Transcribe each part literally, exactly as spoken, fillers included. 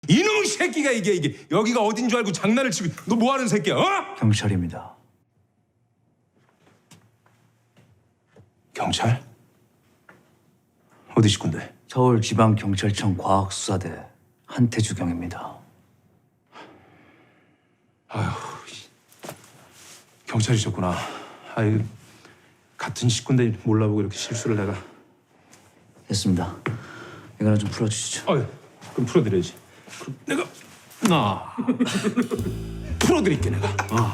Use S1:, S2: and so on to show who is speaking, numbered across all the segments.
S1: 이놈의 새끼가 이게 이게 여기가 어딘 줄 알고 장난을 치고 너 뭐 하는 새끼야? 어?
S2: 경찰입니다.
S1: 경찰? 어디 식구인데?
S2: 서울지방경찰청 과학수사대 한태주경입니다.
S1: 경찰이셨구나. 아이 같은 식구인데 몰라보고 이렇게 실수를 내가.
S2: 됐습니다. 이거나 좀 풀어주시죠.
S1: 아유 그럼 풀어드려야지. 그럼 내가 나 풀어드릴게 내가. 어.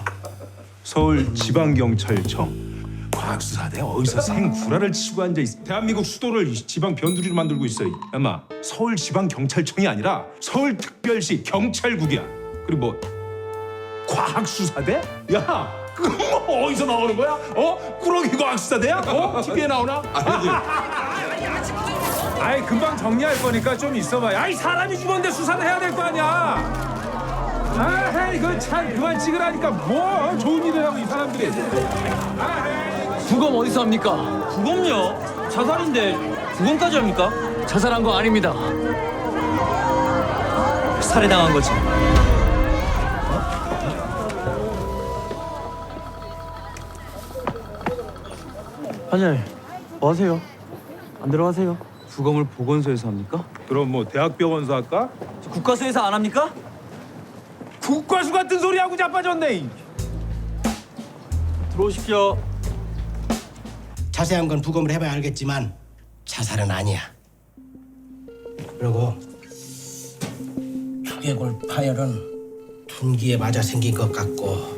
S1: 서울지방경찰청 과학수사대 어디서 생구라를 치고 앉아 있어. 대한민국 수도를 지방 변두리로 만들고 있어. 엄마 서울지방경찰청이 아니라 서울특별시 경찰국이야. 그리고 뭐 과학수사대? 야 그거 뭐 어디서 나오는 거야? 어? 꾸러기 과학수사대야? 어? 티비에 나오나? 아이 금방 정리할 거니까 좀 있어봐. 아이 사람이 죽었는데 수사를 해야 될 거 아니야. 아, 이거 참 그만 찍으라니까 뭐 좋은 일을 하고 이 사람들이.
S3: 부검 어디서 합니까?
S4: 부검요? 자살인데 부검까지 합니까?
S3: 자살한 거 아닙니다.
S4: 살해당한 거지.
S3: 환자님, 뭐 하세요? 안 들어가세요? 부검을 보건소에서 합니까?
S1: 그럼 뭐 대학병원서 할까?
S4: 국가수에서 안 합니까?
S1: 국과수 같은 소리 하고 자빠졌네.
S4: 들어오십시오.
S5: 자세한 건 부검을 해봐야 알겠지만 자살은 아니야. 그리고 두개골 파열은 둔기에 맞아 생긴 것 같고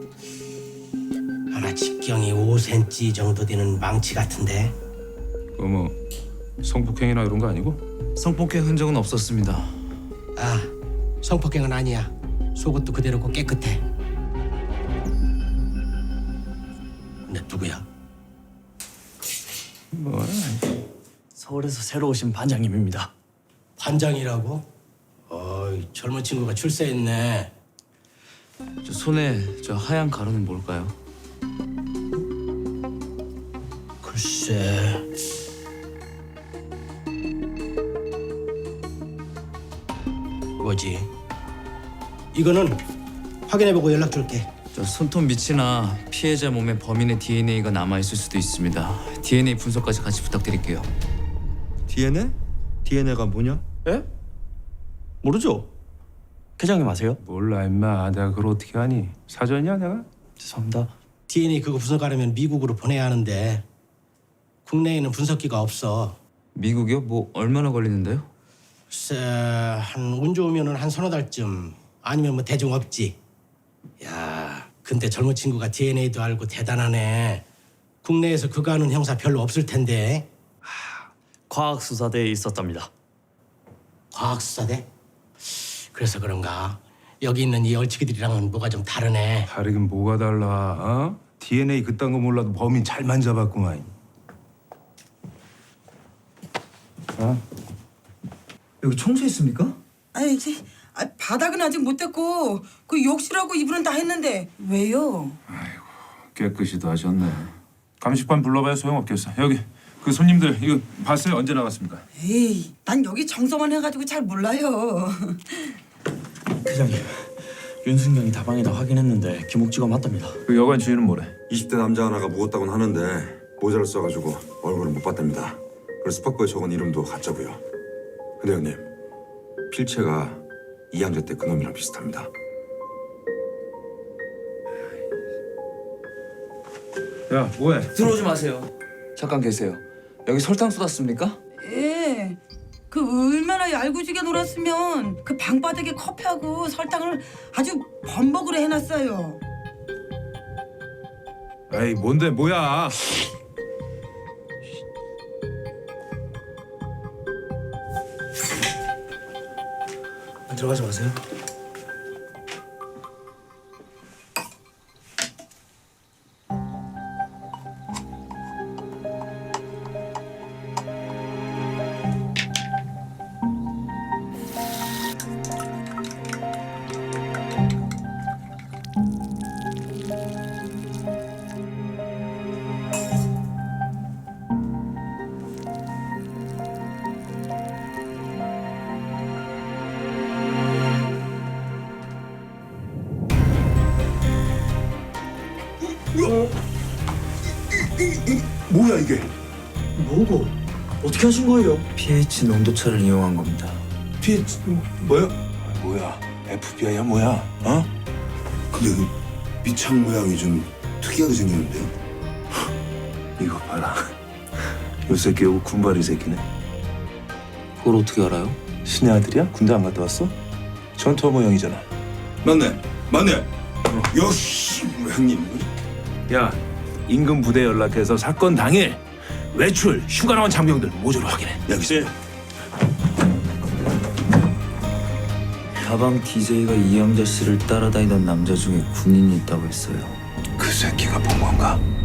S5: 하나 직경이 오 센티미터 정도 되는 망치 같은데.
S1: 그뭐 성폭행이나 이런 거 아니고?
S2: 성폭행 흔적은 없었습니다.
S5: 아, 성폭행은 아니야. 속옷도 그대로고 깨끗해. 근데 누구야?
S1: 뭐
S3: 서울에서 새로 오신 반장님입니다.
S5: 반장이라고? 어이, 젊은 친구가 출세했네.
S2: 저 손에 저 하얀 가루는 뭘까요?
S5: 글쎄... 뭐지? 이거는 확인해보고 연락 줄게.
S2: 저 손톱 밑이나 피해자 몸에 범인의 디엔에이가 남아 있을 수도 있습니다. 디엔에이 분석까지 같이 부탁드릴게요.
S4: 디엔에이? 디엔에이가 뭐냐?
S3: 예? 모르죠? 회장님 아세요?
S1: 몰라 임마. 내가 그걸 어떻게 하니? 사전이야 내가?
S3: 죄송합니다.
S5: 디엔에이 그거 분석하려면 미국으로 보내야 하는데 국내에는 분석기가 없어.
S2: 미국이요? 뭐 얼마나 걸리는데요?
S5: 글쎄 한 운 좋으면은 한 서너 달쯤. 아니면 뭐 대중 없지. 야, 근데 젊은 친구가 디엔에이도 알고 대단하네. 국내에서 그거 하는 형사 별로 없을 텐데.
S3: 과학수사대에 있었답니다.
S5: 과학수사대? 그래서 그런가? 여기 있는 이 얼치기들이랑은 뭐가 좀 다르네.
S1: 다르긴 뭐가 달라? 어? 디엔에이 그딴 거 몰라도 범인 잘 만져봤구만. 어?
S2: 여기 청소했습니까?
S6: 아니 이제 아, 바닥은 아직 못 댔고 그 욕실하고 이불은 다 했는데 왜요?
S1: 깨끗이도 하셨네. 감식반 불러봐야 소용없겠어. 여기 그 손님들 이거 봤어요? 언제 나갔습니까?
S6: 에이 난 여기 정서만 해가지고 잘 몰라요.
S3: 회장님, 윤승경이 다방에다 확인했는데 김옥지가 맞답니다.
S1: 그 여관 주인은 뭐래?
S7: 이십 대 남자 하나가 묵었다고는 하는데 모자를 써가지고 얼굴을 못 봤답니다. 그리고 스파크에 적은 이름도 가짜고요. 근데 형님, 필체가 이양자 때 그놈이랑 비슷합니다.
S1: 야 뭐해?
S2: 들어오지 마세요. 잠깐 계세요. 여기 설탕 쏟았습니까?
S6: 예. 그 얼마나 얄궂게 놀았으면 그 방바닥에 커피하고 설탕을 아주 범벅으로 해놨어요.
S1: 에이 뭔데 뭐야?
S5: 들어가지 마세요.
S7: 뭐야 이게?
S3: 뭐고? 어떻게 하신 거예요?
S2: 피에이치 농도차를 이용한 겁니다.
S7: 피 뭐야? 뭐야? 에프비아이야 뭐야? 어? 근데 그 밑창 모양이 좀 특이하게 생겼는데요?
S8: 이거 봐라. 요 새끼 요거 군발이 새끼네.
S2: 그걸 어떻게 알아요?
S8: 신의 아들이야? 군대 안 갔다 왔어? 전투 모형이잖아.
S7: 맞네, 맞네. 역시 우리 형님.
S8: 야, 임금 부대 연락해서 사건 당일 외출, 휴가 나온 장병들 모조로 확인해.
S7: 여기 있어.
S2: 다방 디제이가 이영자 씨를 따라다니던 남자 중에 군인이 있다고 했어요.
S8: 그 새끼가 본 건가?